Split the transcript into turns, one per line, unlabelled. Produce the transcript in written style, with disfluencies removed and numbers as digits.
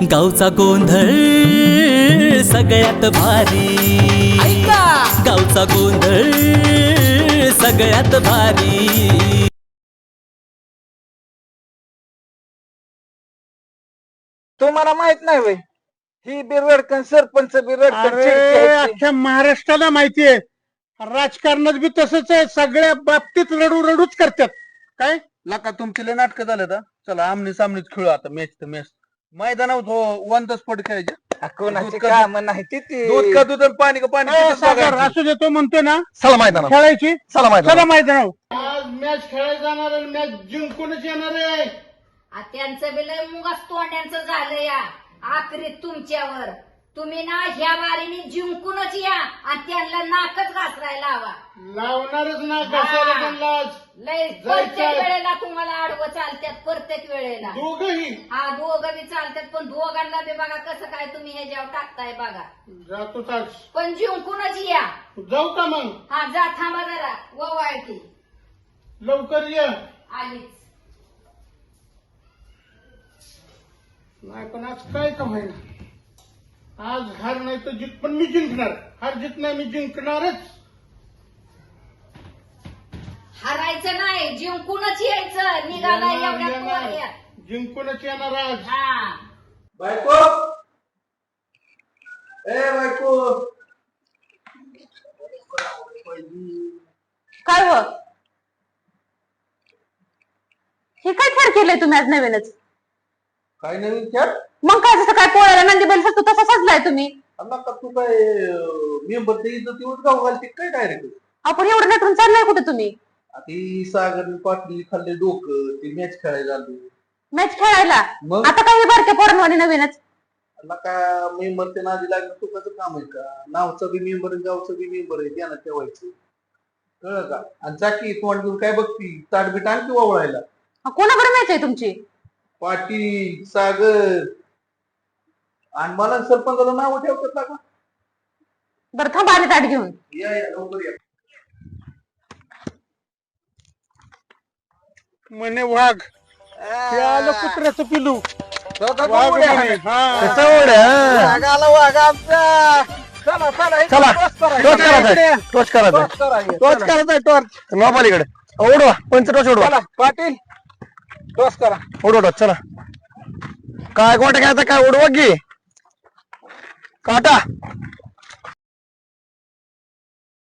गावचा गोंधळ सगळ्यात भारी, गावचा गोंधळ सगळ्यात भारी।
तुम्हाला माहित नाही वय ही बिरडकन सरपंच
अख्ख्या महाराष्ट्राला माहितीये राजकारणात बी तसंच आहे, सगळ्या बाबतीत रडू रडूच करतात। काय
लका तुमचे लय नाटक झाले तर चला आमने सामनेच खेळू आता मॅच तर मॅच मैदानावर वन द स्पॉट खेळायचे
कोणाची काम नाही ती
दूध का दूध आणि पाणी का पाणी तिथंच
सागर
बघायचं.
असू देतो म्हणतोय ना,
चला मैदानावर
खेळायची
चला मैदानावर
चला मैदानावर। आज मॅच खेळायला जाणार आणि मॅच जिंकूनच येणार आहे।
त्यांचं बी लय मुगास तोंड्यांचं झालं या आखरीत तुमच्यावर। तुम्ही ना ह्या बारीने जिंकूनच या आणि त्यांना नाकच घासरायला लावा।
लावणारच ना कशाला त्यांना
लय प्रत्येक वेळेला तुम्हाला आडवं चालतात, प्रत्येक वेळेला
दोघही।
हा दोघं बी चालतात, पण दोघांना बी बघा कसं काय तुम्ही ह्याच्यावर टाकताय बघा।
जातोच आज,
पण जिंकूनच या।
जाऊ का मग?
हा जा, थांबा जरा ववाळती
लवकर ये।
आलीच
नाही पण आज काय का होईना, आज हार नाही तर जित, पण मी जिंकणार। हार जित नाही, मी जिंकणारच।
हरायचं नाही, जिंकूनच यायचं। निघाला एवढ्या पोऱ्या।
जिंकूनच येणार आज।
हा
बायको ए बायको
काय हो, हे काय खेळ केलंय तुम्ही आज नवीनच?
काय नवीन खेळ
मग काय जसं काय पोळ्याला नंदी बैल सजतो तसा सजलाय तुम्ही।
का तू काय मेंबर ते इज्जत गाव घालते काय डायरेक्ट
आपण एवढं नटून चाललाय कुठे तुम्ही?
ती सागर पाटील खाल्ले डोकं ते मॅच खेळायला आलो
मॅच खेळायला?
मग?
आता काही बारक्या पोरांवानी नवीनच
का मेंबर ते नादी लागलं तुकाचं काम आहे का? नावचं बी मेंबर गावचं बी मेंबर आहे त्यांना ठेवायचं कळलं का? आणि चाकी तोंड घेऊन काय बघती ताटबीट आणखी वावळायला।
कोणाकडे मॅच आहे तुमची?
पाटील सागर आणि मला सरपंचाला नाव ठेवतात का?
बरं थांबा, आले ताट घेऊन।
या या लवकर या।
म्हणे वाघ, हे आलं कुत्र्याचं पिलू वाघ
वाघ
म्हणे। हा
वाघ आमचा चला चला
चला,
टॉर्च करायचं.
टॉर्च करायचं
टॉर्च करायचं टॉर्च
नॉबालीकडे ओढवा पंचटॉर्च ओढवा
चला पाटील टॉर्च करा
ओढवा चला काय गोटा घ्यायचा काय ओढवा की काटा